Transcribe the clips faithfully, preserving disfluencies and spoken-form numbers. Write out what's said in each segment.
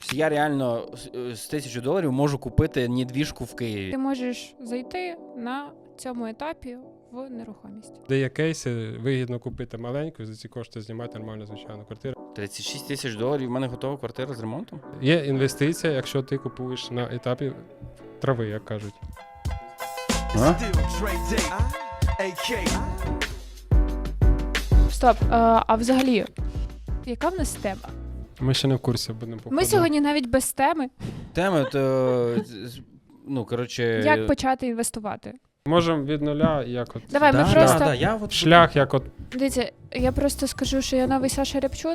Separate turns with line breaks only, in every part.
Я реально з тисячі доларів можу купити недвіжку в Києві.
Ти можеш зайти на цьому етапі в нерухомість.
Де є кейси, вигідно купити маленьку, за ці кошти знімати нормальну звичайну квартиру.
тридцять шість тисяч доларів, в мене готова квартира з ремонтом.
Є інвестиція, якщо ти купуєш на етапі трави, як кажуть.
А?
Стоп, а, а взагалі, яка в нас тема?
Ми ще не в курсі будемо походу.
Ми сьогодні навіть без теми.
Тема, то, ну, коротше...
Як почати інвестувати?
Можемо від нуля, як от
Давай, ми
Да,
просто...
да, да, я от...
шлях, як от
Дивіться, я просто скажу, що я новий Саша Рябчун.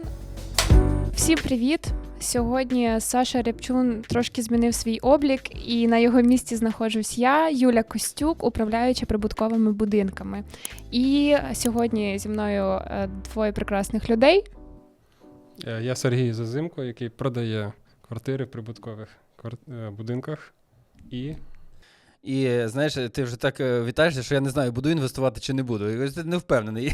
Всім привіт! Сьогодні Саша Рябчун трошки змінив свій облік, і на його місці знаходжусь я, Юля Костюк, управляюча прибутковими будинками. І сьогодні зі мною е, двоє прекрасних людей.
е, я Сергій Зазимко, який продає квартири в прибуткових квар- е, будинках. І
І, знаєш, ти вже так е, вітаєшся, що я не знаю, буду інвестувати чи не буду. Я кажу, ти не впевнений.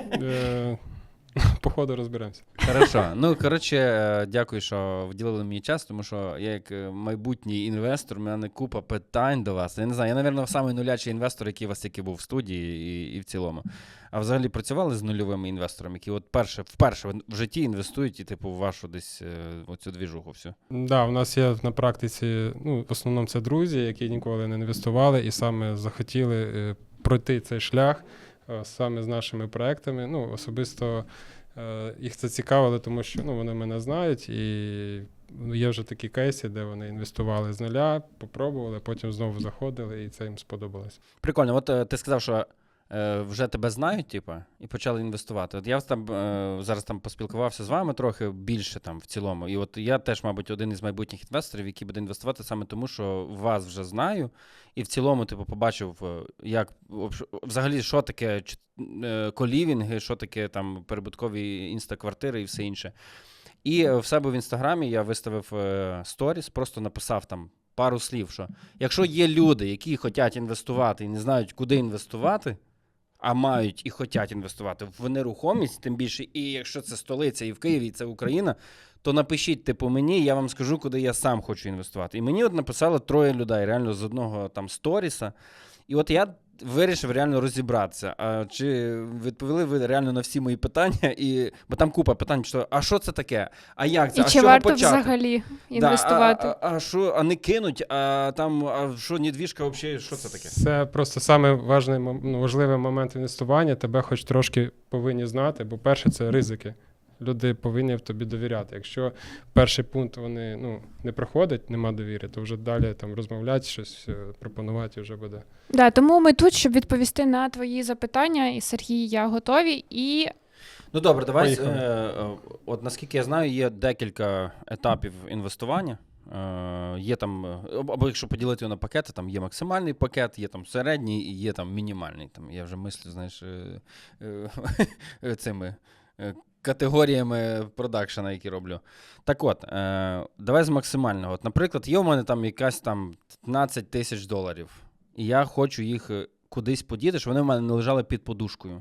е, по ходу розберемося.
Хорошо. Ну, коротше, е, дякую, що вділили мені час, тому що я як е, майбутній інвестор, у мене купа питань до вас. Я не знаю, я, мабуть, самий нулячий інвестор, який у вас тільки був в студії і, і в цілому. А взагалі працювали з нульовими інвесторами, які от перше, вперше в житті інвестують і, типу, в вашу десь е, оцю двіжуху всю?
Да, у нас є на практиці, ну, в основному це друзі, які ніколи не інвестували і саме захотіли е, пройти цей шлях е, саме з нашими проектами. Ну, особисто е, їх це цікавило, тому що ну, вони мене знають, і ну, є вже такі кейси, де вони інвестували з нуля, попробували, потім знову заходили, і це їм сподобалось.
Прикольно. От е, ти сказав, що е, вже тебе знають, типу, і почали інвестувати. От я там, е, зараз там поспілкувався з вами трохи більше там в цілому. І от я теж, мабуть, один із майбутніх інвесторів, який буде інвестувати саме тому, що вас вже знаю. І в цілому, типу, побачив, е, як взагалі, що таке ч- е, колівінги, що таке там прибуткові інстаквартири і все інше. І е, в себе в інстаграмі я виставив е, сторіс, просто написав там пару слів, що якщо є люди, які хочуть інвестувати і не знають, куди інвестувати, а мають і хочуть інвестувати в нерухомість, тим більше, і якщо це столиця і в Києві, і це Україна, то напишіть, типу, мені, я вам скажу, куди я сам хочу інвестувати. І мені от написало троє людей, реально з одного там сторіса. І от я вирішив реально розібратися, а чи відповіли ви реально на всі мої питання, і бо там купа питань, що а що це таке, а як це,
І
а з
чи
чого
варто
почати?
взагалі інвестувати?
Да, а, а, а що, а не кинуть, а там, а що, недвіжка взагалі, що це таке?
Це просто саме важний, мом- ну, важливий момент інвестування, тебе хоч трошки повинні знати, бо перше це ризики. Люди повинні в тобі довіряти. Якщо перший пункт вони ну, не проходять, нема довіри, то вже далі там розмовляти, щось е, пропонувати вже буде.
Да, тому ми тут, щоб відповісти на твої запитання, і Сергій, я готові, і
Ну добре, давай, е,
Поїхали.
е, от наскільки я знаю, є декілька етапів інвестування. Е, є там, е, або якщо поділити його на пакети, там є максимальний пакет, є там середній і є там мінімальний. Там, я вже мислю, знаєш, е, е, цими е, категоріями продакшена, які роблю. Так от, е, давай з максимального. От, наприклад, є у мене там якась там п'ятнадцять тисяч доларів, і я хочу їх е, кудись подіти, щоб вони в мене не лежали під подушкою.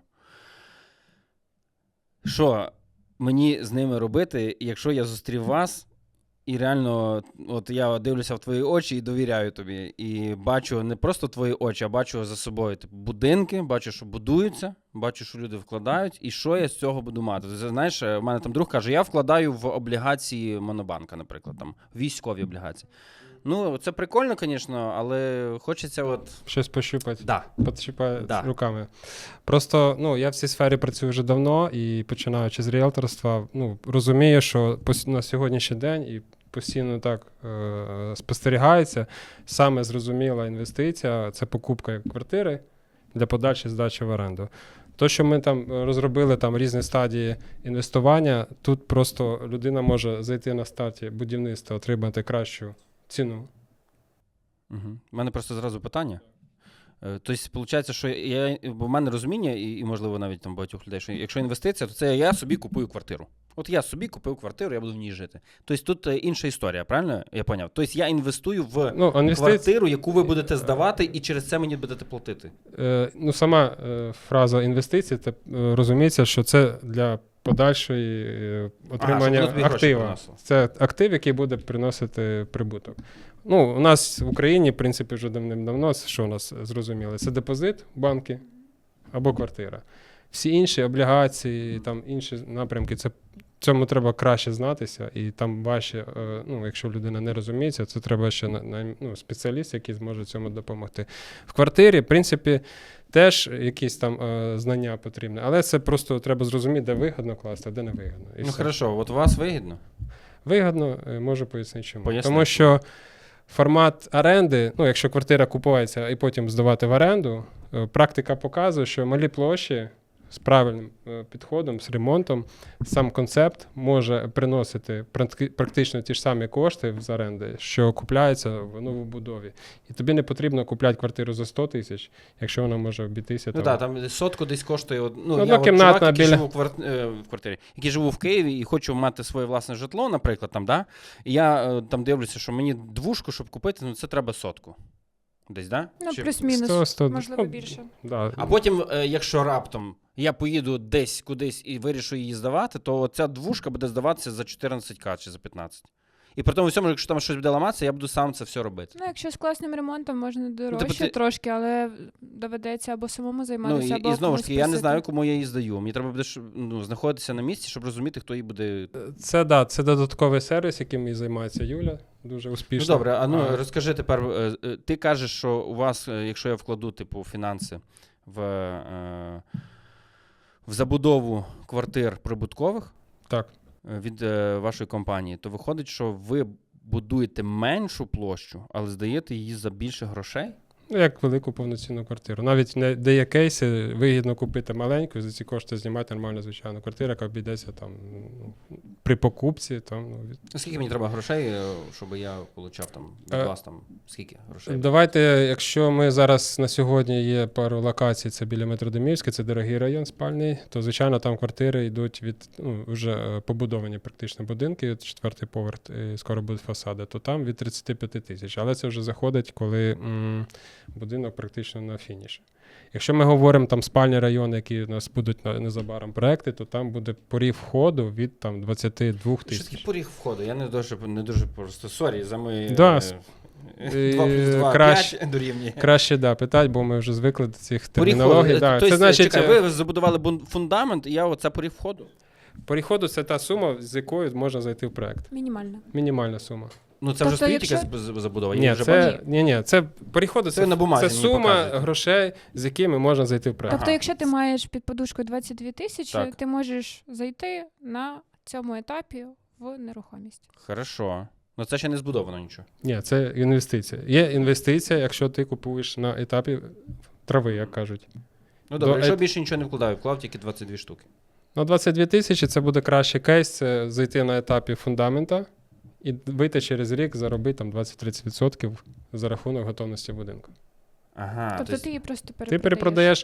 Що мені з ними робити, якщо я зустрів вас, і реально, от я дивлюся в твої очі і довіряю тобі, і бачу не просто твої очі, а бачу за собою типу, будинки, бачу, що будуються, бачу, що люди вкладають, і що я з цього буду мати. Ти знаєш, у мене там друг каже, я вкладаю в облігації Монобанка, наприклад, там, військові облігації. Ну, це прикольно, звісно, але хочеться от...
Щось пощупати,
Да.
підщипати
Да.
руками. Просто ну, я в цій сфері працюю вже давно і починаючи з ріелторства, ну, розумію, що пос- на сьогоднішній день і постійно так е- спостерігається, саме зрозуміла інвестиція – це покупка квартири для подальшої здачі в оренду. То, що ми там розробили там різні стадії інвестування, тут просто людина може зайти на старті будівництва, отримати кращу ціну.
Угу. У мене просто зразу питання. Е, Тобто, виходить, що я, бо в мене розуміння, і, і можливо навіть там багатьох людей, що якщо інвестиція, то це я собі купую квартиру. От я собі купив квартиру, я буду в ній жити. Тобто тут е, інша історія, правильно? Я поняв. Тобто я інвестую в
Ну, інвестиці-
квартиру, яку ви будете здавати, і через це мені будете платити.
Е, ну, сама е, фраза інвестиції, це е, розуміється, що це для подальшої е, отримання
щоб воно тобі гроші
актива.
приносило.
Це актив, який буде приносити прибуток. Ну, у нас в Україні, в принципі, вже давним-давно, що у нас зрозуміло, це депозит, банки або квартира. Всі інші облігації, там інші напрямки, це цьому треба краще знатися, і там важче, е, ну, якщо людина не розуміється, це треба ще на, на, ну, спеціаліст, який зможе цьому допомогти. В квартирі, в принципі, теж якісь там е, знання потрібні, але це просто треба зрозуміти, де вигідно класти, а де не вигідно. І
Ну
все.
хорошо, от у вас вигідно?
Вигідно, е, можу пояснити чому.
Поясни.
Тому що формат оренди, ну, якщо квартира купується і потім здавати в оренду, е, практика показує, що малі площі з правильним е, підходом, з ремонтом, сам концепт може приносити практи- практично ті ж самі кошти з оренди, що купляються в новобудові. І тобі не потрібно купляти квартиру за сто тисяч, якщо вона може обійтися.
Ну
там,
так, там сотку десь коштує. от- Ну,
Однокімнатна
я от чувак, який
біля-
живу в, кварт... е, в квартирі, який живу в Києві і хочу мати своє власне житло, наприклад, там, да? І я е, там дивлюся, що мені двушку, щоб купити, ну це треба сотку. Десь, да?
Ну,
Чи-
плюс-мінус,
сто, сто,
можливо,
ну,
більше.
Да.
А потім, е, якщо раптом я поїду десь кудись і вирішу її здавати, то ця двушка буде здаватися за чотирнадцять тисяч чи за п'ятнадцять. І при тому всьому, якщо там щось буде ламатися, я буду сам це все робити.
Ну, якщо з класним ремонтом, можна дорожче
тобто ти-
трошки, але доведеться або самому
Ну,
займатися,
і,
або
і знову ж
комусь
таки, я не
просити.
знаю, кому я її здаю. Мені треба буде ж, ну, знаходитися на місці, щоб розуміти, хто її буде.
Це, да, це додатковий сервіс, яким і займається Юля, дуже успішно.
Ну добре, а ну
А,
розкажи тепер. е, е, Ти кажеш, що у вас, е, якщо я вкладу типу фінанси в, е, в забудову квартир прибуткових
Так.
е, від е, вашої компанії, то виходить, що ви будуєте меншу площу, але здаєте її за більше грошей?
Ну, як велику повноцінну квартиру. Навіть не, де є кейси, вигідно купити маленьку, за ці кошти знімати нормальну звичайну квартиру, яка обійдеться там ну, при покупці. Там, ну, від...
Скільки мені треба грошей, е, щоб я отримав там від
Е,
вас там скільки грошей?
Давайте, якщо ми зараз на сьогодні є пару локацій, це біля Метродомівська, це дорогий район спальний, то, звичайно, там квартири йдуть від ну, вже е, побудовані практично будинки, четвертий поверх, і скоро будуть фасади, то там від тридцять п'ять тисяч. Але це вже заходить, коли м, будинок практично на фініші. Якщо ми говоримо там спальні райони, які у нас будуть на- незабаром проекти, то там буде поріг входу від там двадцять два
Що таке
тисяч.
поріг входу? Я не дуже, не дуже просто сорі за мої
Да,
е, два плюс два,
краще-
п'ять дорівнює.
Краще да, питати, бо ми вже звикли до цих
Поріг
термінологій.
входу.
Да.
Тобто,
Це значить,
чекай,
е,
ви забудували бун- фундамент, і я оце поріг входу.
поріг входу це та сума, з якою можна зайти в проект.
Мінімально.
Мінімальна сума.
Ну це
Тобто,
вже стоїть
якщо-
якась з- забудова. я
Ні,
вже
це,
бачу.
ні, ні, це поріг входу,
Це
це,
на бумазі
це
мені
сума
показуєте.
грошей, з якими можна зайти в проект.
Тобто,
Ага.
якщо ти маєш під подушкою двадцять дві тисячі,
Так.
ти можеш зайти на цьому етапі в нерухомість.
Хорошо. Ну це ще не збудовано нічого.
Ні, це інвестиція. Є інвестиція, якщо ти купуєш на етапі трави, як кажуть.
Ну добре,
До
якщо
ет-
більше нічого не вкладаю, вклав тільки двадцять дві штуки.
На двадцять дві тисячі це буде кращий кейс, це зайти на етапі фундамента і вийти через рік, заробити там двадцять-тридцять відсотків за рахунок готовності будинку.
Ага,
Тобто
тобто,
ти її просто
Ти
перепродаєш.
перепродаєш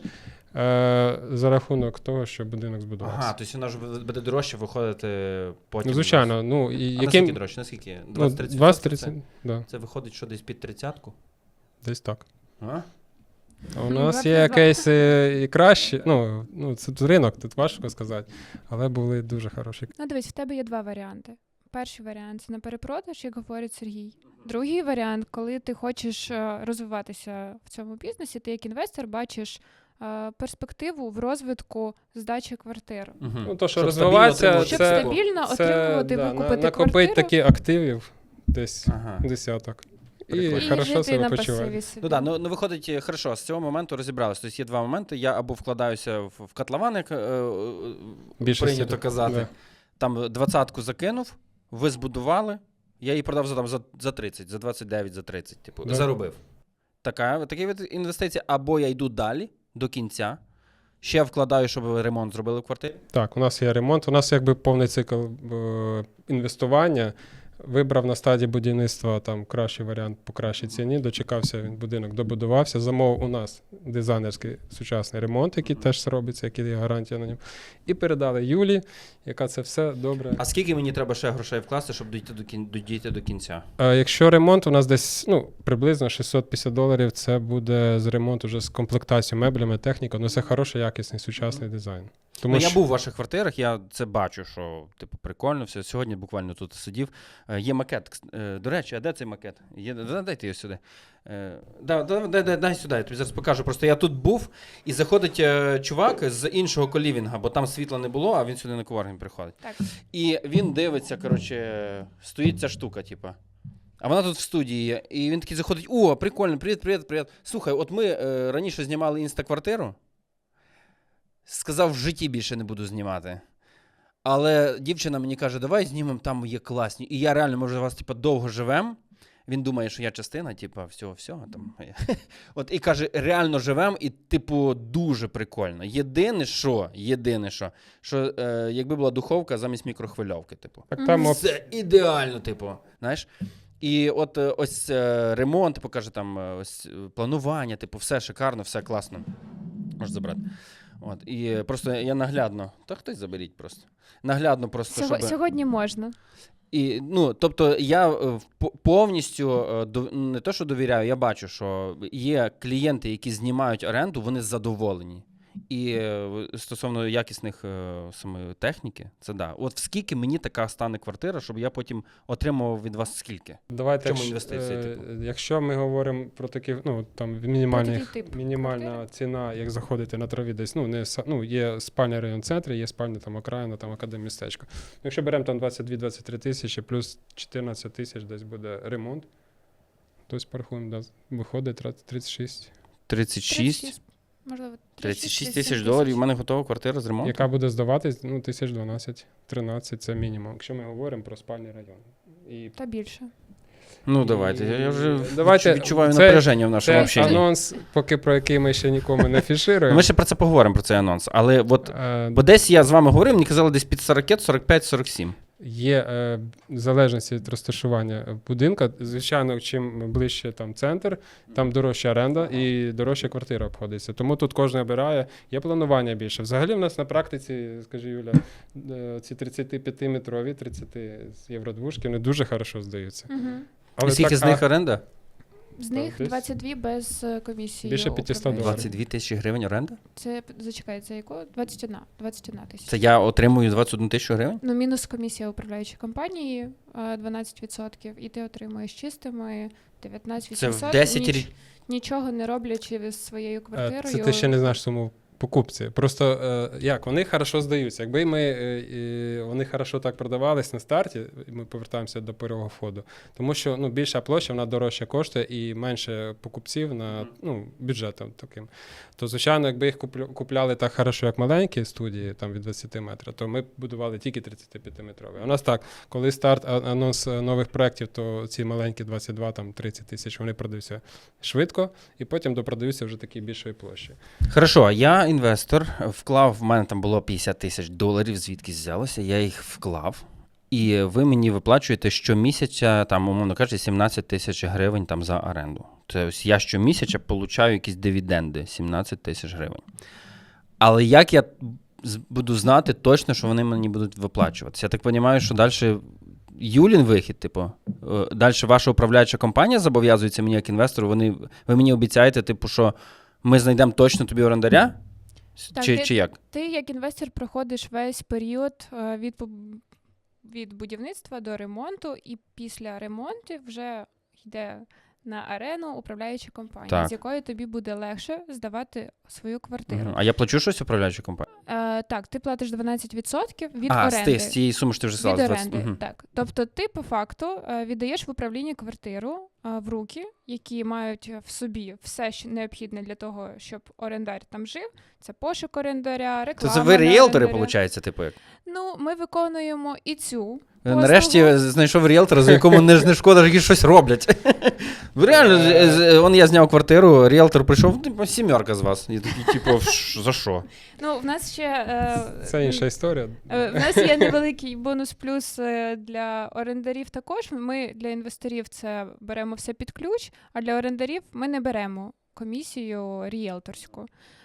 е, за рахунок того, що будинок збудувався.
ага, тобто вона ж буде дорожче виходити потім.
Ну, звичайно, ну і
А
яким
наскільки дорожче? Наскільки?
ну,
двадцять-тридцять
двадцять-тридцять,
Це,
да,
це виходить, що десь під тридцятку?
десь так.
А?
А у
Ну,
нас
два
є
плюс два.
кейси і кращі. Ну, ну це тут ринок, тут важко сказати, але були дуже хороші.
Ну, дивись, в тебе є два варіанти. Перший варіант це на перепродаж, як говорить Сергій. Другий варіант, коли ти хочеш е, розвиватися в цьому бізнесі, ти як інвестор бачиш е, перспективу в розвитку здачі квартир.
Угу.
Ну, то, що розвиватися,
Щоб
це-
стабільно
Це
отримувати,
да,
викупити
на, накопити
квартиру
такі активів десь
Ага.
десяток.
Прикольно.
І
і
хорошо
жити
себе
на
почувати.
пасиві собі.
Ну так, ну, ну виходить, е, хорошо, з цього моменту розібралися. Тобто є два моменти. Я або вкладаюся в, в котлован, як е, е,
Більше
прийнято
всього.
казати.
Да.
Там двадцятку закинув, ви збудували, я її продав за, там, за, за тридцять, за двадцять дев'ять, за тридцять, типу,
Да.
заробив. Така, такий вид інвестиції. Або я йду далі, до кінця, ще вкладаю, щоб ремонт зробили в квартирі.
Так, у нас є ремонт, у нас якби повний цикл е, інвестування. Вибрав на стадії будівництва там кращий варіант по кращій ціні, дочекався, він будинок добудувався. Замовив у нас дизайнерський сучасний ремонт, який теж робиться, який є гарантія на ньому. І передали Юлі, яка це все добре.
А скільки мені треба ще грошей вкласти, щоб дійти до, кін... дійти до кінця?
А якщо ремонт у нас десь ну, приблизно шістсот п'ятдесят доларів, це буде з ремонту вже з комплектацією меблями, технікою, ну це хороший, якісний, сучасний дизайн. Тому
Ну,
що
я був у ваших квартирах, я це бачу, що типу прикольно все. Сьогодні буквально тут сидів. Е, Є макет. Кс- е, До речі, а де цей макет? Є... да- Дайте його сюди. Е, да, да, да, да, дай сюди, я тобі зараз покажу. Просто я тут був, і заходить е, чувак з іншого колівінга, бо там світла не було, а він сюди на коворкінг приходить.
Так.
І він дивиться, коротше, стоїть ця штука, типа. А вона тут в студії є. І він такий заходить: о, прикольно, привіт, привіт, привіт. Слухай, от ми е, раніше знімали інстаквартиру. Сказав, в житті більше не буду знімати. Але дівчина мені каже, давай знімемо, там є класні. І я реально, може, вас типу, довго живем. Він думає, що я частина, типу, всього-всього. Там. От, і каже, реально живем, і, типу, дуже прикольно. Єдине, що, єдине, що, що е, якби була духовка замість мікрохвильовки, типу.
так там оп-
Це ідеально, типу, знаєш. І от е, ось е, ремонт, типу, каже, там, е, ось е, планування, типу, все шикарно, все класно. Можеш забрати. От, і просто я наглядно, та хтось заберіть просто. Наглядно просто,
Сього-
щоб...
Сьогодні можна.
І, ну, тобто я е, по- повністю е, до- не то, що довіряю, я бачу, що є клієнти, які знімають оренду, вони задоволені. І е, стосовно якісних е, самої техніки, це да. От скільки мені така стане квартира, щоб я потім отримував від вас скільки?
Давайте,
В чому
якщо,
інвестиції,
е,
типу?
якщо ми говоримо про такі, ну там мінімальні,
Про такий тип
мінімальна
квартири?
ціна, як заходити на траві десь, ну не са- ну, є спальний район в центрі, є спальня там окраїна, там академмістечко. Якщо беремо там двадцять дві - двадцять три тисячі, плюс чотирнадцять тисяч десь буде ремонт, тобто порахуємо, да, виходить тридцять шість.
тридцять шість?
Можливо,
тридцять шість
тридцять
тисяч доларів, у мене готова квартира з ремонтом.
Яка буде здаватись, ну, тисяч дванадцять - тринадцять це мінімум, якщо ми говоримо про спальний район. І
Та більше.
Ну, давайте, я, я вже
Давайте,
відчуваю
це-
напряження в нашому
Це
общенні.
анонс, поки про який ми ще нікому не фішируємо.
Ми ще про це поговоримо, про цей анонс. Але от,
Е,
бо десь я з вами говорив, мені казали десь під сорок, сорок п'ять, сорок сім.
Є е, в залежності від розташування будинка. Звичайно, чим ближче там центр, там дорожча оренда і дорожча квартира обходиться. Тому тут кожен обирає. Є планування більше. Взагалі в нас на практиці, скажи Юля, е, ці тридцятип'ятиметрові, тридцять з євродвушки, вони дуже хорошо здаються.
Угу.
І скільки
так,
з них
а,
оренда?
З
Так,
них
десь
двадцять дві без е, комісії.
більше п'ятсот
управляючої.
доларів.
двадцять дві тисячі гривень оренда?
Це, зачекай, це якого? двадцять одна. двадцять одна тисяча.
Це я отримую двадцять одну тисячу гривень?
Ну, мінус комісія управляючої компанії е, дванадцять відсотків, і ти отримуєш чистими дев'ятнадцять
Це
відсотків.
в десять
ніч-
рі...
Нічого не роблячи з своєю
е,
квартирою.
Це ти ще не знаєш суму покупці. Просто е, як, вони хорошо здаються. Якби ми, е, е, вони хорошо так продавались на старті, ми повертаємося до первого входу. Тому що ну, більша площа, вона дорожче коштує і менше покупців на ну, бюджетом таким. То, звичайно, якби їх куплю- купляли так хорошо, як маленькі студії, там від двадцять метрів, то ми б будували тільки тридцятип'ятиметрові. У нас так, коли старт, а- анонс е, нових проєктів, то ці маленькі двадцять два, там тридцять тисяч, вони продаються швидко, і потім допродаються вже такі більшої площі.
Хорошо, я інвестор, вклав, в мене там було п'ятдесят тисяч доларів, звідкись взялося, я їх вклав. І ви мені виплачуєте щомісяця, там, умовно кажучи, сімнадцять тисяч гривень там, за оренду. Тобто я щомісяця получаю якісь дивіденди, сімнадцять тисяч гривень. Але як я з- буду знати точно, що вони мені будуть виплачуватися? Я так розумію, що далі Юлін вихід, типу, далі ваша управляюча компанія зобов'язується мені як інвестору, вони, ви мені обіцяєте, типу, що ми знайдемо точно тобі орендаря?
Так,
Чи,
ти-
чи як?
Ти, як інвестор, проходиш весь період е, від, поб- від будівництва до ремонту, і після ремонту вже йде на арену управляюча компанія,
Так.
з якою тобі буде легше здавати свою квартиру.
Мгм. А я плачу щось управляючій компанії?
Е, так, ти платиш дванадцять відсотків від
а, з,
оренди.
ти, з цієї суми, що ти вже
Від
сказала. з
оренди,
двадцять. Мгм.
так. Тобто ти по факту е, віддаєш в управління квартиру е, в руки, які мають в собі все, що необхідне для того, щоб орендар там жив. Це пошук орендаря,
То
реклама.
це ви
на
ріелтори,
орендаря.
виходить, типу як?
Ну, ми виконуємо і цю.
Нарешті
послугу.
знайшов ріелтора, за якому не, не шкода, які щось роблять. Ви реально, з- з- он я зняв квартиру, ріелтор прийшов, типу, сімерка з вас. І такий, типу, «Ш- за що?
Ну, в нас ще е,
Це інша історія.
Е, В нас є невеликий бонус-плюс е, для орендарів також. Ми для інвесторів це беремо все під ключ, а для орендарів ми не беремо комісію ріелторську.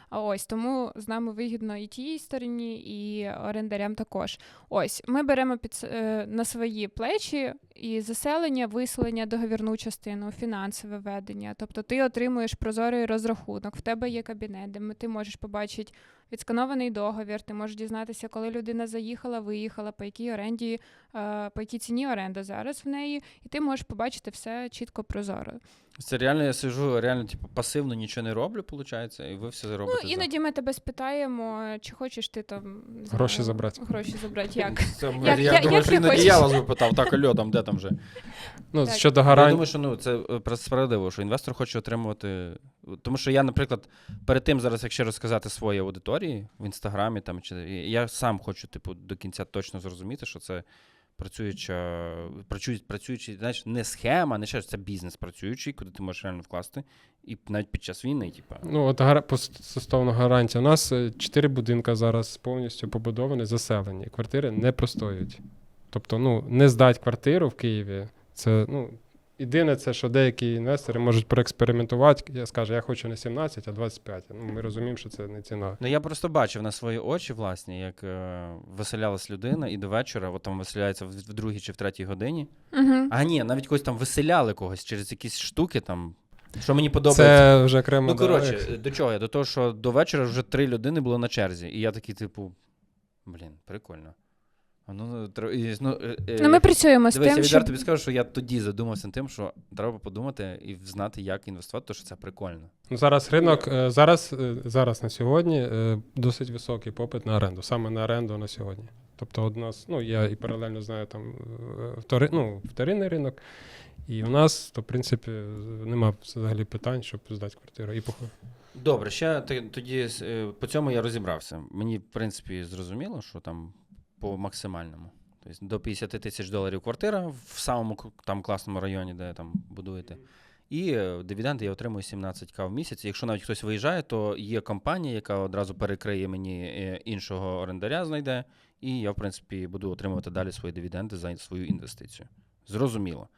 А ось тому з нами вигідно і тій стороні, і орендарям також. Ось ми беремо під с- е, на свої плечі і заселення, виселення, договірну частину, фінансове ведення. Тобто ти отримуєш прозорий розрахунок, в тебе є кабінет, де ти можеш побачити відсканований договір, ти можеш дізнатися, коли людина заїхала, виїхала, по якій оренді, е, по якій ціні оренда зараз в неї, і ти можеш побачити все чітко прозоро.
Це реально я сижу, реально, типу, пасивно нічого не роблю, виходить, і ви все робите.
Ну, іноді ми тебе спитаємо, чи хочеш ти там не знаю,
Гроші забрати.
Гроші забрати, як?
Це,
Як-
я
як-
думаю,
як
що
ти
іноді
хочеш?
я вас би питав, так, альо, там, де там вже.
Ну,
Так.
щодо
Я
гарантій.
думаю, що ну, це е, справедливо, що інвестор хоче отримувати. Тому що я, наприклад, перед тим зараз, якщо розказати своїй аудиторії в інстаграмі, там, чи, я сам хочу, типу, до кінця точно зрозуміти, що це працююча, працюючий, працюючий, знаєш, не схема, не ще це бізнес працюючий, куди ти можеш реально вкласти, і навіть під час війни, типу.
Ну, от гара... по стосовно гарантії. У нас е, чотири будинка зараз повністю побудовані, заселені. Квартири не простоюють. Тобто, ну, не здати квартиру в Києві, це, ну, єдине це, що деякі інвестори можуть проекспериментувати. Я скажу, я хочу не сімнадцять, а двадцять п'ять. Ну, ми розуміємо, що це не ціна.
Ну, я просто бачив на свої очі, власне, як е, виселялась людина, і до вечора, от там виселяється в, в другій чи в третій годині.
Угу.
А ні, навіть когось там виселяли когось через якісь штуки там. Що мені подобається.
Це вже окремо.
Ну,
да,
коротше, до чого я? До того, що до вечора вже три людини було на черзі. І я такий, типу, блін, прикольно. А Ну, тр- і, ну, е, е,
Ну, ми працюємо з
Дивись, я
тим,
відверто
що...
тобі скажу, що я тоді задумався над тим, що треба подумати і знати, як інвестувати, тому що це прикольно.
Ну, зараз ринок, е, зараз, е, зараз на сьогодні е, досить високий попит на оренду, саме на оренду на сьогодні. Тобто от у нас, ну, я і паралельно знаю там е, втори, ну, вторинний ринок, і у нас, то, в принципі, нема взагалі питань, щоб здати квартиру. І похуй.
Добре, ще т- тоді е, по цьому я розібрався. Мені, в принципі, зрозуміло, що там по максимальному. Тобто до п'ятдесят тисяч доларів квартира в самому к- там класному районі, де там будуєте. І е, дивіденди я отримую сімнадцять тисяч в місяць. Якщо навіть хтось виїжджає, то є компанія, яка одразу перекриє мені е, іншого орендаря, знайде, і я, в принципі, буду отримувати далі свої дивіденди за свою інвестицію. Зрозуміло.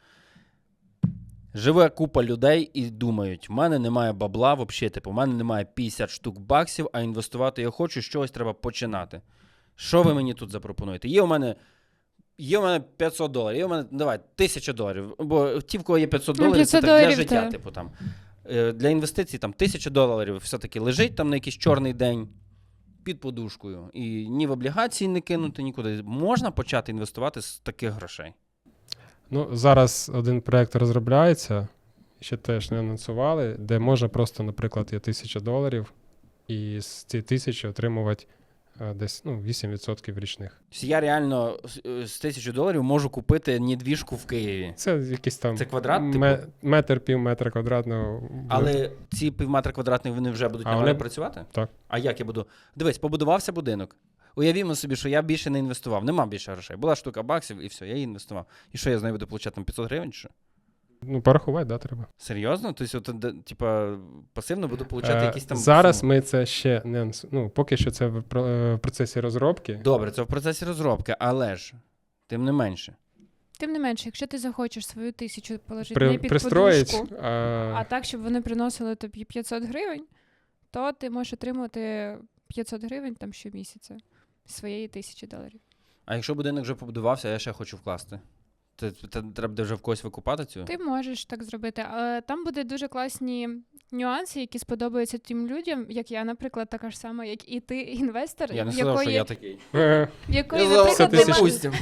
Живе купа людей і думають, в мене немає бабла взагалі, типу, в мене немає п'ятдесят штук баксів, а інвестувати я хочу, з чогось треба починати. Що ви мені тут запропонуєте? Є у мене, є у мене п'ятсот доларів, є у мене, давай, тисяча доларів, бо ті, в кого є п'ятсот
Ну,
доларів, це
п'ятсот
так для
доларів,
життя,
та.
типу, там. Е, Для інвестицій там тисяча доларів все-таки лежить там на якийсь чорний день під подушкою. І ні в облігації не кинути нікуди. Можна почати інвестувати з таких грошей?
Ну, зараз один проєкт розробляється, ще теж не анонсували, де можна просто, наприклад, є тисяча доларів, і з цієї тисячі отримувати е, десь ну, вісім відсотків річних.
Тобто я реально з- з тисячі доларів можу купити недвіжку в Києві.
Це якийсь там
Це квадрат, типу?
ме- метр, пів метра квадратного.
Але ці півметра квадратних вони вже будуть
А
на
вони-
мене працювати?
Так.
А як я буду? Дивись, побудувався будинок. Уявімо собі, що я більше не інвестував. Нема більше грошей. Була штука баксів і все, я її інвестував. І що я з нею буду получати там п'ятсот гривень? Чи що?
Ну, порахувати, да, треба.
Серйозно? Тобто, от, де- типа, пасивно буду получати
Е,
якісь там.
Зараз
суми?
ми це ще не анс- ну, поки що це в про- е, в процесі розробки.
Добре, це в процесі розробки, але ж, тим не менше.
Тим не менше, якщо ти захочеш свою тисячу положити
При,
не під
пристроїть.
подушку,
А,
а так, щоб вони приносили тобі п'ятсот гривень, то ти можеш отримувати п'ятсот гривень там щомісяця з своєї тисячі доларів.
А якщо будинок вже побудувався, а я ще хочу вкласти. Це, це треба буде вже в когось викупати цю?
Ти можеш так зробити, але там будуть дуже класні нюанси, які сподобаються тим людям, як я, наприклад, така ж сама, як і ти, інвестор,
Я не
в
сказав, що
якої,
я такий.
е,
в якої,
Я сказав,
наприклад,
тисяч.
немає,
Допустим.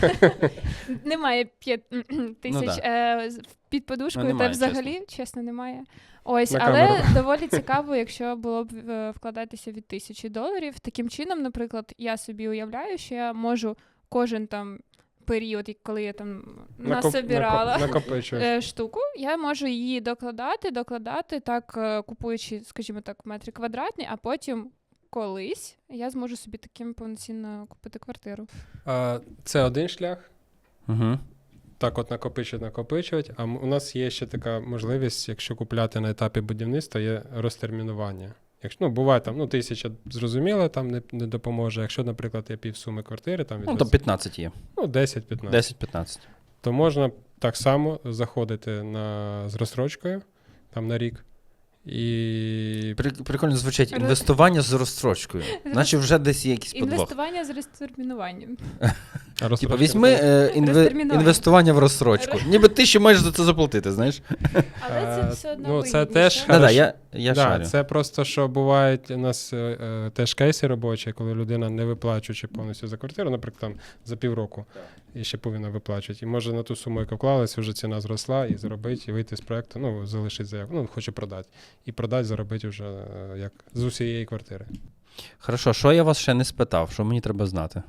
немає п'ять тисяч
да.
е, з- під подушкою,
Ну,
та
немає,
взагалі, чесно. немає. Ось,
На
але
камеру.
доволі цікаво, якщо було б е, вкладатися від тисячі доларів. Таким чином, наприклад, я собі уявляю, що я можу кожен там період, і коли я там
накоп-
насобирала
накоп- накопичуєш.
е, штуку, я можу її докладати, докладати, так е, купуючи, скажімо так, метри квадратні, а потім колись я зможу собі таким повноцінно купити квартиру.
А, Це один шлях.
Угу.
Так, от накопичувати, накопичувати. А м- у нас є ще така можливість, якщо купляти на етапі будівництва, є розтермінування. Якщо, ну, буває там, ну, тисяча, зрозуміло, там не, не допоможе. Якщо, наприклад, є півсуми квартири, там від
Ну, то
двадцять
п'ятнадцять є.
ну, десять-п'ятнадцять,
десять-п'ятнадцять.
то можна так само заходити на, з розстрочкою, там на рік, І
При- Прикольно звучить.
Роз-
Інвестування з розстрочкою. Наче вже десь є якийсь подвох.
Інвестування з розтермінуванням.
а розстрочка
Типа, візьми е, інве-
Розтермінування.
інвестування в розстрочку. Ніби ти ще маєш за це заплатити, знаєш?
Але це
Е,
все одно
ну, це
вигідніше.
теж
Да-да,
Хорошо.
я, я
да,
шарю.
це просто, що бувають у нас е, е, теж кейси робочі, коли людина не виплачуючи повністю за квартиру, наприклад, там за півроку, і ще повинна виплачувати. І може на ту суму, яка вклалася, вже ціна зросла, і заробити, і вийти з проекту, ну, залишити заявку, ну, хоче продати. І продати, заробити вже е, як з усієї квартири.
Хорошо, що я вас ще не спитав? Що мені треба знати?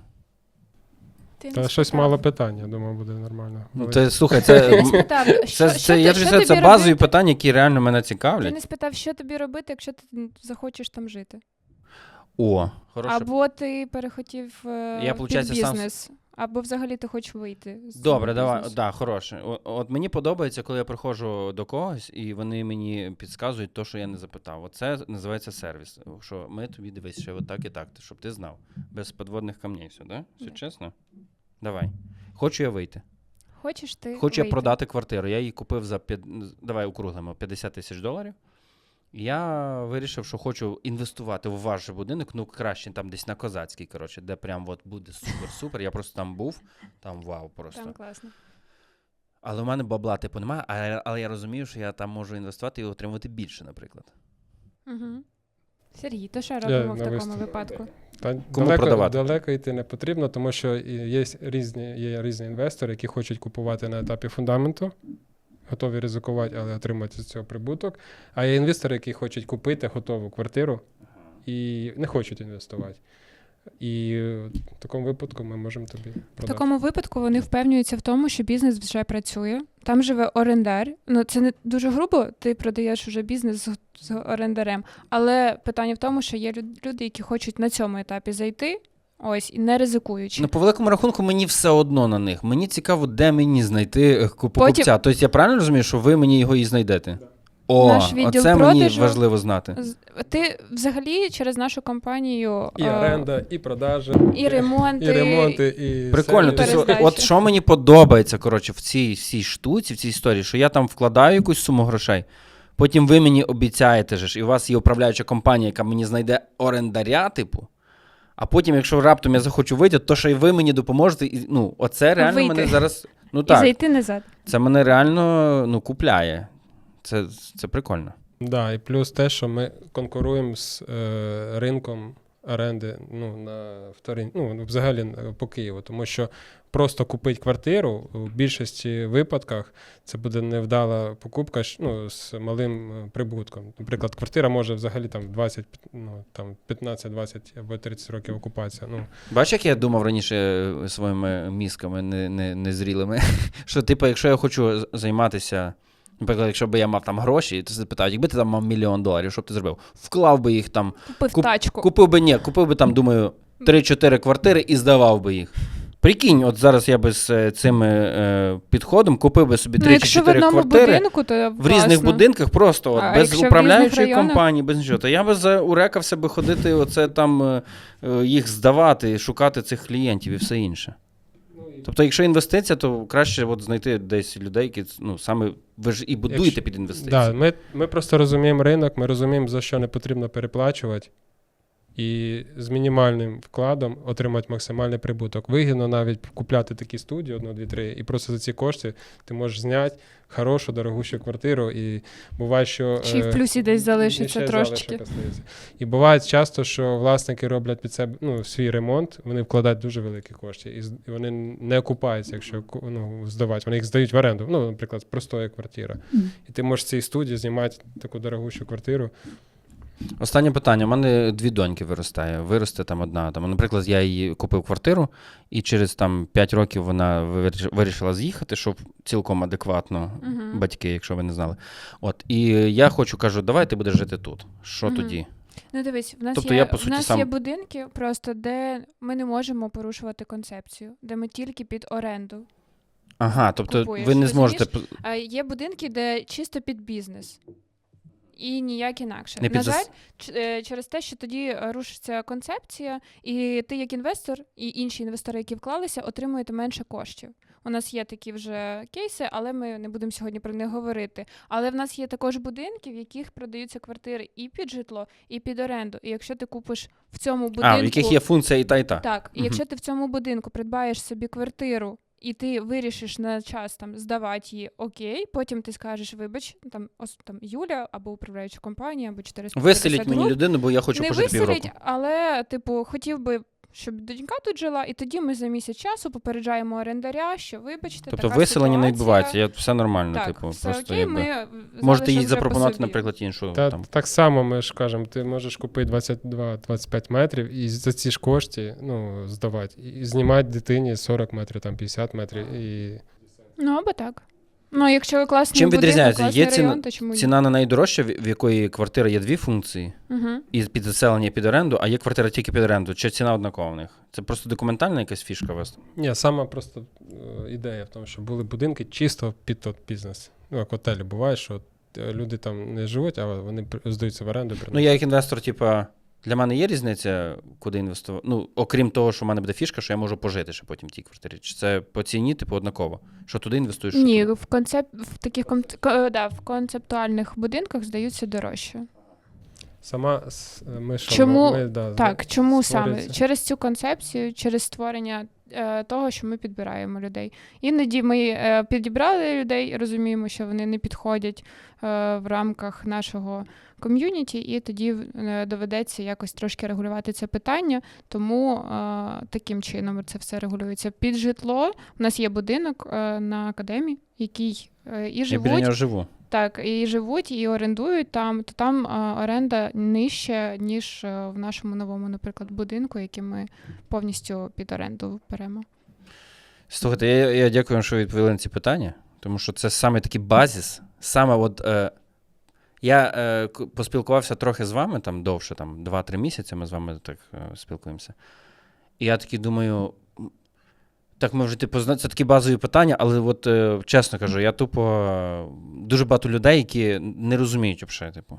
Ти не
Та щось
спитав.
мало питань, я думаю, буде нормально.
Ну,
Але-
ти, слухай,
Ти
це,
не спитав, що,
це,
що
це,
ти-
я
що
ж це, це
тобі
базові
робити?
питання, які реально мене
Ти
цікавлять.
не спитав, що тобі робити, якщо ти захочеш там жити.
О, хороше.
Або ти перехотів е,
Я,
під
получається, сам-
бізнес, або взагалі ти хочеш вийти з цього
Добре, давай,
бізнесу.
да, хороше. О- От мені подобається, коли я приходжу до когось, і вони мені підказують те, що я не запитав. Оце називається сервіс. Що ми тобі дивись, ще отак і так, щоб ти знав. Без підводних камней все, да? Все
Да.
чесно? Давай. Хочу я вийти.
Хочеш ти
Хочу я
вийти?
продати квартиру. Я її купив за п'ят- давай округлимо, п'ятдесят тисяч доларів. Я вирішив, що хочу інвестувати в ваш же будинок, ну краще там десь на Козацькій, коротше, де прям от буде супер-супер. Я просто там був, там вау просто.
Там класно.
Але в мене бабла типу немає, але, але я розумію, що я там можу інвестувати і отримувати більше, наприклад.
Угу. Сергій, то що
Я
робимо в
на
такому
виставку.
випадку?
Та
Кому
далеко,
продавати?
далеко йти не потрібно, тому що і є різні, є різні інвестори, які хочуть купувати на етапі фундаменту, готові ризикувати, але отримати з цього прибуток. А є інвестори, які хочуть купити готову квартиру і не хочуть інвестувати. І в такому випадку ми можемо тобі
В
продати.
такому випадку вони впевнюються в тому, що бізнес вже працює. Там живе орендар. Ну це не дуже грубо, ти продаєш вже бізнес з, з орендарем. Але питання в тому, що є люд- люди, які хочуть на цьому етапі зайти, ось, і не ризикуючи.
Ну, по великому рахунку, мені все одно на них. Мені цікаво, де мені знайти е, ку-
Потім-
покупця. Тобто я правильно розумію, що ви мені його і знайдете? О,
Наш відділ
оце мені
продажу-
важливо знати.
З- Ти взагалі через нашу компанію
І
е,
оренда, і продажа,
і ремонти,
і ремонти, і
Прикольно.
все, і
Тобто,
перездачі.
от що мені подобається, коротше, в цій всій штуці, в цій історії, що я там вкладаю якусь суму грошей, потім ви мені обіцяєте, же ж, і у вас є управляюча компанія, яка мені знайде орендаря, типу, а потім, якщо раптом я захочу вийти, то що і ви мені допоможете. І, ну, оце реально
Вийти.
мене зараз. Ну
і
так,
зайти назад.
це мене реально ну, купляє. Це, це прикольно.
Да, і плюс те, що ми конкуруємо з е, ринком оренди ну, на вторин, ну, взагалі е, по Києву, тому що просто купити квартиру у більшості випадках це буде невдала покупка щ- ну, з малим е, прибутком. Наприклад, квартира може взагалі там двадцять, ну, там п'ятнадцять, двадцять або тридцять років окупація. Ну,
Бачиш, як я думав раніше е, своїми мізками не, не, незрілими, що, типу, якщо я хочу з- займатися, наприклад, якщо б я мав там гроші, то запитають, якби ти там мав мільйон доларів, що б ти зробив? Вклав би їх там,
Купив
Куп-
тачку.
купив би, ні, купив би там, думаю, три-чотири квартири і здавав би їх. Прикинь, от зараз я би з е, цим е, підходом купив би собі
Ну,
три чи
якщо в
чотири
одному
квартири
будинку, то
в різних
класно.
будинках, просто от,
А
без
якщо в різних
управляючої
районах?
компанії, без нічого. То я би заурекався би ходити, оце там е, е, їх здавати, шукати цих клієнтів і все інше. Тобто, якщо інвестиція, то краще от знайти десь людей, які ну, саме ви ж і будуєте
Якщо-
під інвестиції.
да, ми, ми просто розуміємо ринок, ми розуміємо, за що не потрібно переплачувати. І з мінімальним вкладом отримати максимальний прибуток. Вигідно навіть купляти такі студії, одну, дві, три, і просто за ці кошти ти можеш зняти хорошу, дорогущу квартиру. І буває, що...
Чи в
е,
плюсі десь
і
залишиться
ще
трошечки.
залишок остається. І буває часто, що власники роблять під себе ну, свій ремонт, вони вкладають дуже великі кошти, і з- і вони не окупаються, якщо ку- ну, здавати. Вони їх здають в оренду. Ну, наприклад, простоя квартира. І ти можеш в цій студії знімати таку дорогущу квартиру.
Останнє питання. У мене дві доньки виростає. Виросте там одна. Там, наприклад, я їй купив квартиру, і через там п'ять років вона виріш- вирішила з'їхати, щоб цілком адекватно
Мгм.
батьки, якщо ви не знали. От. І я хочу, кажу, давай ти будеш жити тут. Що
Мгм.
тоді?
Ну дивись, в нас,
Тобто
є,
я, по
в
суті,
нас
сам-
є будинки, просто де ми не можемо порушувати концепцію, де ми тільки під оренду.
Ага, тобто
Купуєш,
ви не
розумієш?
зможете... п-
А є будинки, де чисто під бізнес. І ніяк інакше.
Не
На
під зас-
жаль, ч- е, через те, що тоді е, рушиться концепція, і ти як інвестор, і інші інвестори, які вклалися, отримуєте менше коштів. У нас є такі вже кейси, але ми не будемо сьогодні про них говорити. Але в нас є також будинки, в яких продаються квартири і під житло, і під оренду. І якщо ти купиш в цьому будинку...
А, в яких є функція і та, і та.
Так, і
Мгм.
якщо ти в цьому будинку придбаєш собі квартиру, і ти вирішиш на час там здавати її, окей, потім ти скажеш, вибач, там, ос, там Юля або управляюча компанія, або чотириста п'ятдесят
Виселіть мені
груп.
людину, бо я хочу
Не
пожити півроку.
виселіть, але, типу, хотів би, щоб донька тут жила, і тоді ми за місяць часу попереджаємо орендаря, що, вибачте,
Тобто
така
виселення не
ситуація.
відбувається, я, все нормально,
Так,
типу,
все
просто
окей,
якби...
ми
Можете їй
залишимо вже по
запропонувати,
собі.
наприклад, іншу.
Та,
там.
так само ми ж кажемо, ти можеш купити двадцять два - двадцять п'ять метрів і за ці ж кошти ну, здавати. І знімати дитині сорок метрів, там п'ятдесят метрів. І...
Ну, або так. Ну, якщо класний
Чим
будинок,
відрізняється?
класний
Є ціна-
район, то чому ні?
Ціна на неї дорожча, в в якої квартира є дві функції,
Угу.
і під заселення, і під оренду, а є квартира тільки під оренду. Чи ціна однакова в них? Це просто документальна якась фішка у вас?
Ні, сама просто е, ідея в тому, що були будинки чисто під тот бізнес. Ну, як готелі буває, що е, люди там не живуть, а вони при- здаються в оренду.
Ну, я як інвестор, типа, для мене є різниця, куди інвестувати? Ну, окрім того, що в мене буде фішка, що я можу пожити ще потім в тій квартирі. Чи це по ціні, типу, однаково? Що туди інвестуєш? що
Ні,
туди?
в концеп... в таких кон... ко- да, в концептуальних будинках здаються дорожче.
Сама с- ми що,
Чому-
ми, да,
Так, чому саме?
створюється.
Через цю концепцію, через створення е, того, що ми підбираємо людей. Іноді ми е, підібрали людей, розуміємо, що вони не підходять е, в рамках нашого ком'юніті, і тоді е, доведеться якось трошки регулювати це питання, тому е, таким чином це все регулюється. Під житло у нас є будинок е, на академії, який е, і
Я біля
живуть.
нього живу.
Так, і живуть, і орендують там, то там а, оренда нижча, ніж а, в нашому новому, наприклад, будинку, який ми повністю під оренду беремо.
Слухайте, я, я дякую вам, що ви відповіли на ці питання, тому що це саме такий базіс. Саме от, е, я е, к- поспілкувався трохи з вами, там довше, там два-три місяці ми з вами так е, спілкуємося. І я такий думаю, м, так ми вже типу, зна- це такі базові питання, але от е, чесно кажу, я тупо е, дуже багато людей, які не розуміють взагалі, типу,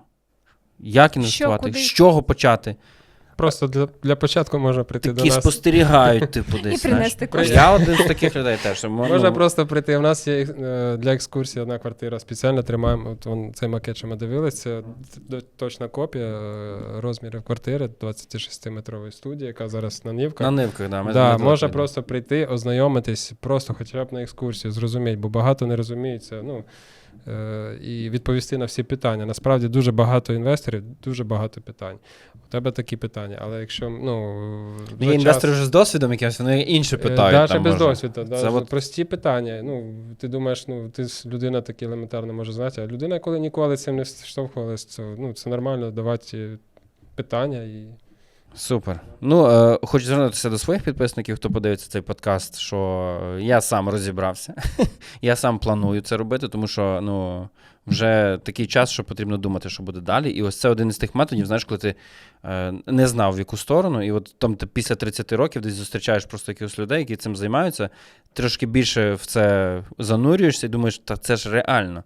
як інвестувати,
куди?
з чого почати.
Просто для, для початку можна прийти
Такі
до нас.
спостерігають, типу, десь.
І
знаєш.
принести кошти.
Я один з таких людей теж. що,
Можна
ну,
просто прийти. У нас є е, для екскурсії одна квартира спеціально тримаємо. От вон, цей макет, що ми дивилися, це д- точна копія е, розмірів квартири двадцятишестиметрової студії, яка зараз на Нівках.
На нивках, да. Ми
Да,
недалеко
можна
йдемо.
просто прийти, ознайомитись, просто хоча б на екскурсію, зрозуміти, бо багато не розуміється. Ну, е, і відповісти на всі питання. Насправді дуже багато інвесторів, дуже багато питань. У тебе такі питання, але якщо ну,
Ну,
за
є інвестори
час-
вже з досвідом якимось, вони інше
Е,
питають.
Даже
там,
без
може.
досвіду, да,
Це
з-
от-
прості питання. Ну, ти думаєш, ну, ти ж людина такі елементарно може знати, а людина, коли ніколи цим не штовхувалась, це, ну, це нормально давати питання. І...
Супер. Ну, е, хочу звернутися до своїх підписників, хто подивиться цей подкаст, що я сам розібрався. Я сам планую це робити, тому що ну, вже такий час, що потрібно думати, що буде далі. І ось це один із тих методів, знаєш, коли ти е, не знав, в яку сторону, і от там ти після тридцяти років десь зустрічаєш просто якихось людей, які цим займаються, трошки більше в це занурюєшся і думаєш, та це ж реально.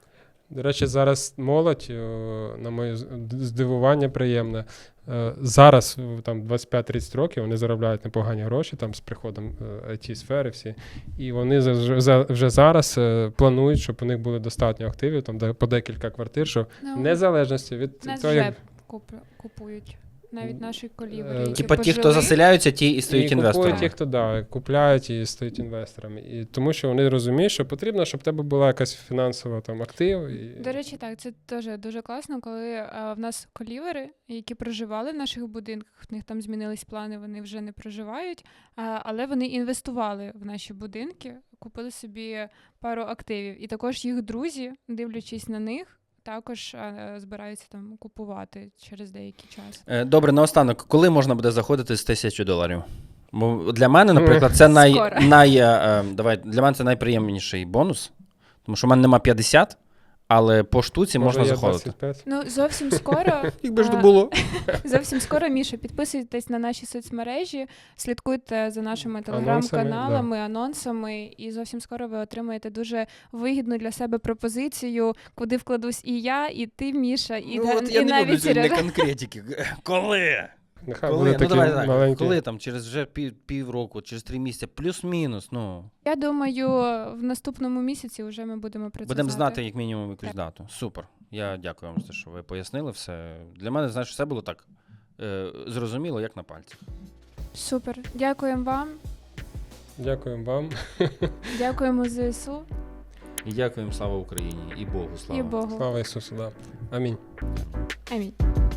До речі, зараз молодь, о, на моє з- здивування приємне, е, зараз в, там двадцять п'ять тридцять років вони заробляють непогані гроші там з приходом ай ті-сфери всі, і вони за- за- вже зараз е, планують, щоб у них були достатньо активів, там де- по декілька квартир, щоб
Ну,
в незалежності від
нас
того,
вже
як
куп- купують. Навіть наші
Е,
колівери, які
Типа ті, хто
пожили.
заселяються, ті і стають
і
інвесторами.
купують ті, хто да, купляють і стають інвесторами. І тому що вони розуміють, що потрібно, щоб в тебе була якась фінансова там актив. І...
До речі, так, це теж дуже класно, коли а, в нас колівери, які проживали в наших будинках, в них там змінились плани, вони вже не проживають, а, але вони інвестували в наші будинки, купили собі пару активів. І також їх друзі, дивлячись на них, також а, збираються там купувати через деякий час.
Е, Добре, наостанок, коли можна буде заходити з тисячі доларів? Бо для мене, наприклад, це най,
Скоро.
най, е, е, давай, для мене це найприємніший бонус, тому що в мене нема п'ятдесят, але по штуці
Може,
можна
є
заходити.
двадцять п'ять?
Ну, зовсім скоро.
Якби ж
а,
то було.
Зовсім скоро, Міша, підписуйтесь на наші соцмережі, слідкуйте за нашими телеграм-каналами, анонсами, і зовсім скоро ви отримаєте дуже вигідну для себе пропозицію, куди вкладусь і я, і ти, Міша, і,
Ну,
да-
от я
і
не люблю
навіть
сьогодні
Сережа.
конкретики. Коли?
Нехай
Коли,
буде
ну,
такий
давай, так,
маленький.
коли там, через вже пів, півроку, через три місяці, плюс-мінус, ну,
Я думаю, в наступному місяці вже ми будемо про це
будемо
знати.
знати як мінімум якусь
Так.
дату. Супер. Я дякую вам за те, що ви пояснили все. Для мене, знаєш, все було так е, зрозуміло, як на пальцях.
Супер. Дякуємо вам.
Дякуємо вам.
Дякуємо ЗСУ
І дякуємо, слава Україні, і Богу, слава.
і Богу.
Слава Ісусу, да. Амінь.
Амінь.